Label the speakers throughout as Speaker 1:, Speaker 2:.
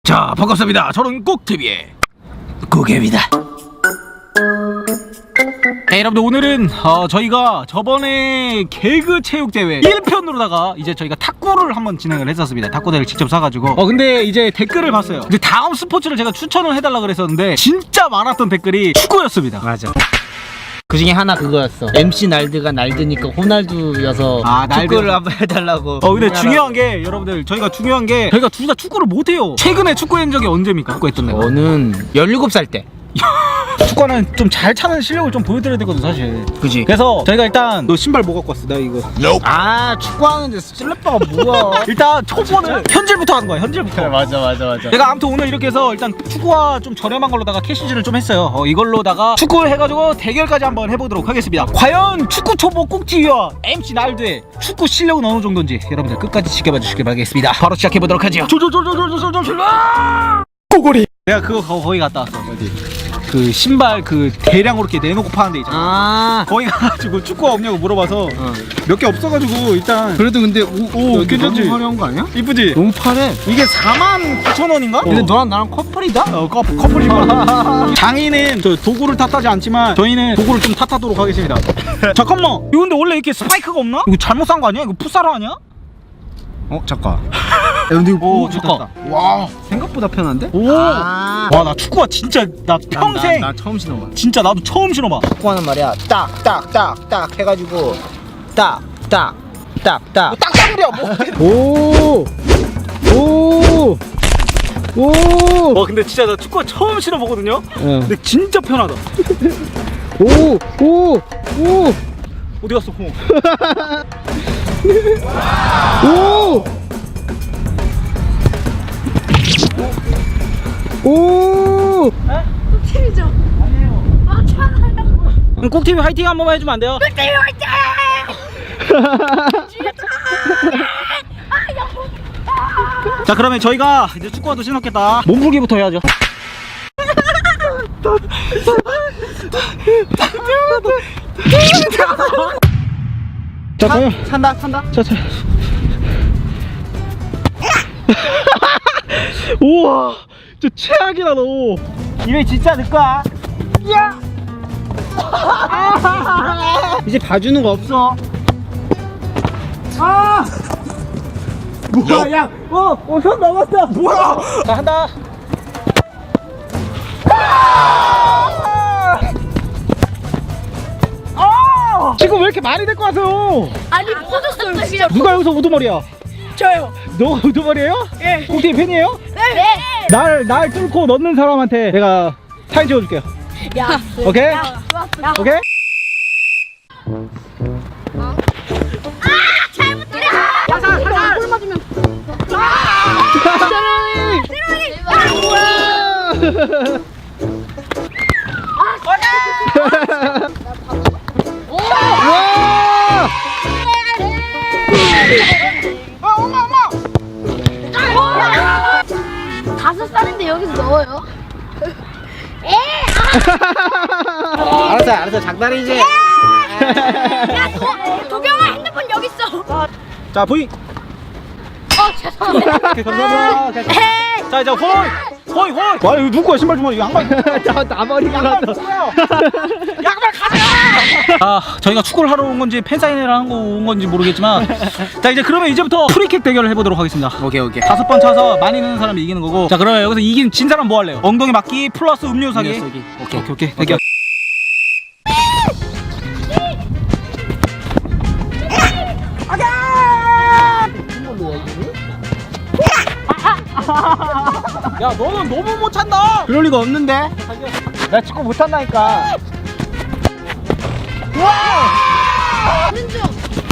Speaker 1: 자, 반갑습니다. 저는 꾹TV의 꾹입니다. 네, 여러분들 오늘은 저희가 저번에 개그 체육대회 1편으로다가 이제 저희가 탁구를 한번 진행을 했었습니다. 탁구대를 직접 사가지고 근데 이제 댓글을 봤어요. 근데 다음 스포츠를 제가 추천을 해달라 그랬었는데 진짜 많았던 댓글이 축구였습니다.
Speaker 2: 맞아. 그 중에 하나 그거였어. MC 날드가 날드니까 호날두여서 축구를 한번 해달라고.
Speaker 1: 근데 중요한 게 여러분들 저희가 둘 다 축구를 못해요. 최근에 축구한 적이 언제입니까? 축구했던 내가
Speaker 2: 저는 17살 때.
Speaker 1: 축구는 좀 잘 차는 실력을 좀 보여드려야 되거든 사실.
Speaker 2: 그지?
Speaker 1: 그래서 저희가 일단 너 신발 뭐 갖고 왔어? 나 이거
Speaker 2: 아, 축구하는데 슬래퍼가 뭐야?
Speaker 1: 일단 초보는 현질부터 하는 거야. 현질부터.
Speaker 2: 맞아.
Speaker 1: 내가 아무튼 오늘 이렇게 해서 일단 축구화 좀 저렴한 걸로다가 캐시즈를 좀 했어요. 이걸로다가 축구 해가지고 대결까지 한번 해보도록 하겠습니다. 과연 축구 초보 꾹TV와 MC 날드의 축구 실력은 어느 정도인지 여러분들 끝까지 지켜봐 주시길 바라겠습니다. 바로 시작해보도록 하죠. 꼬골이. 내가 그거 거기 갔다 왔어. 어디? 그 신발 그 대량으로 이렇게 내놓고 파는 데 있잖아. 거기 가가지고 축구화 없냐고 물어봐서 몇 개 없어가지고 일단.
Speaker 2: 그래도 근데
Speaker 1: 오 괜찮지?
Speaker 2: 너무 화려한 거 아니야?
Speaker 1: 이쁘지?
Speaker 2: 너무 파래.
Speaker 1: 이게 49,000원인가?
Speaker 2: 근데 너랑 나랑 커플이다?
Speaker 1: 커플 신발. 장인은 저 도구를 탓하지 않지만 저희는 도구를 좀 탓하도록 하겠습니다. 잠깐만, 이거 근데 원래 이렇게 스파이크가 없나? 이거 잘못 산 거 아니야? 이거 풋사로 아니야?
Speaker 2: 잠깐. 근데
Speaker 1: 오 좋다.
Speaker 2: 와, 생각보다 편한데?
Speaker 1: 와 나 축구화 진짜 나 평생
Speaker 2: 나 처음 신어봐.
Speaker 1: 진짜 나도 처음 신어봐.
Speaker 2: 축구하는 말이야. 딱 해가지고 딱.
Speaker 1: 딱딱이야 뭐.
Speaker 2: 오.
Speaker 1: 근데 진짜 나 축구화 처음 신어보거든요. 근데 진짜 편하다.
Speaker 2: 오.
Speaker 1: 어디 갔어 공?
Speaker 2: 오.
Speaker 3: 꿀팁이죠? 아니에요. 맞잖아요.
Speaker 1: 그럼 꾹TV 화이팅 한 번만 해주면 안 돼요?
Speaker 3: 꿀팁 화이팅!
Speaker 1: 자, 그러면 저희가 이제 축구화도 신었겠다. 몸풀기부터 해야죠. 자, 그럼
Speaker 2: 찬다.
Speaker 1: 자. 우와, 저 최악이다 너. 이게 진짜 내 거야. 야!
Speaker 2: 이제 봐주는 거 없어.
Speaker 1: 뭐야, 야, 손 넘었어. 뭐야? 자, 한다. 지금 왜 이렇게 많이 데리고 와서?
Speaker 3: 아니 퍼졌어요 진짜.
Speaker 1: 누가 여기서 우두머리야?
Speaker 3: 저요.
Speaker 1: 너 우두머리예요?
Speaker 3: 예.
Speaker 1: 꾹TV 팬이에요?
Speaker 3: 네.
Speaker 1: 날 뚫고 넣는 사람한테 내가 사인 찍어줄게요.
Speaker 3: 야.
Speaker 1: 오케이?
Speaker 3: 야.
Speaker 1: 오케이?
Speaker 3: 잘못해. 살살. 골 맞으면. 다섯 살인데 여기서 넣어요?
Speaker 2: 알았어. 장난이지.
Speaker 3: 야, 도경아 핸드폰 여기 있어.
Speaker 1: 자, 보이.
Speaker 3: 죄송합니다.
Speaker 1: 오케이, 감사합니다. 자, 이제 호이. 와, 이거 누구야? 신발 좀 이거 양말.
Speaker 2: 나 머리가 나서.
Speaker 1: 양말 가져. 저희가 축구를 하러 온 건지 팬사인회를 하고 온 건지 모르겠지만 자, 이제 그러면 이제부터 프리킥 대결을 해보도록 하겠습니다.
Speaker 2: 오케이.
Speaker 1: 5번 차서 많이 넣는 사람이 이기는 거고. 자, 그러면 여기서 진 사람 뭐 할래요? 엉덩이 맞기 플러스 음료 사기. 오케이. 대결. 야, 너는 너무 못 찬다.
Speaker 2: 그럴 리가 없는데. 나 축구 못 한다니까.
Speaker 3: 왼쪽.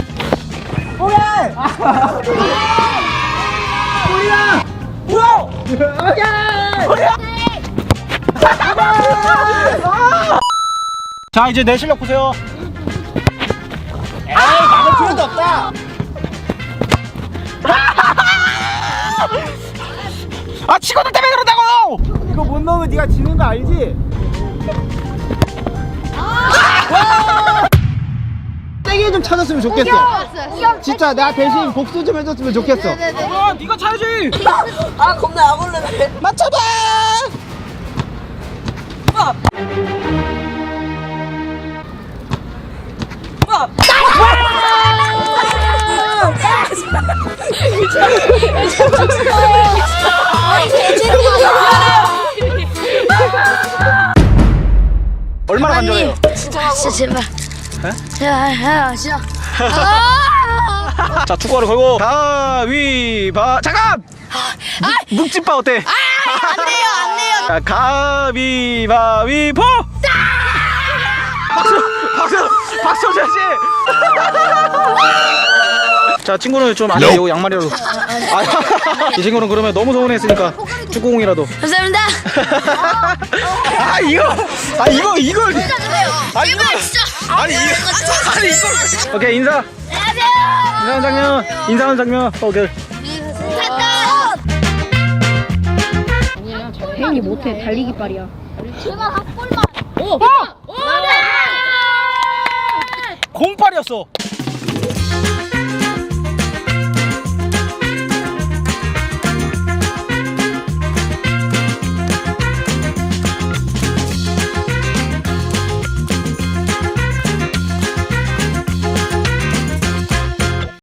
Speaker 1: 자, 이제 내 실력 보세요.
Speaker 2: 에이, 막을 필요도 없다.
Speaker 1: 친구들 때문에 그런다고.
Speaker 2: 이거 못 넣으면 네가 지는 거 알지? 세게 해줘. 좀 찾았으면 좋겠어. 진짜 나 대신 복수 좀 해줬으면 좋겠어.
Speaker 1: 아 네가 차야지.
Speaker 4: 아 겁나 약올르네.
Speaker 2: 맞춰봐.
Speaker 1: 얼마나 간절해요?
Speaker 3: 진짜 제발. 제발 진짜.
Speaker 1: 자 축구화를 걸고 가위바 잠깐. 묵집바 어때?
Speaker 3: 안 돼요.
Speaker 1: 자, 가위바위보! 박수 줘야지! 자, 친구는 좀 안 돼요, 양말이라도. 이 친구는 그러면 너무 서운했으니까 축구공이라도.
Speaker 3: 감사합니다.
Speaker 1: 이걸. 오케이, 인사.
Speaker 3: 안녕하세요.
Speaker 1: 인사하는 장면. 오케이.
Speaker 3: 혜인이 못해. 달리기 빨이야. 제발 한 골만. 오!
Speaker 1: 공팔이었어.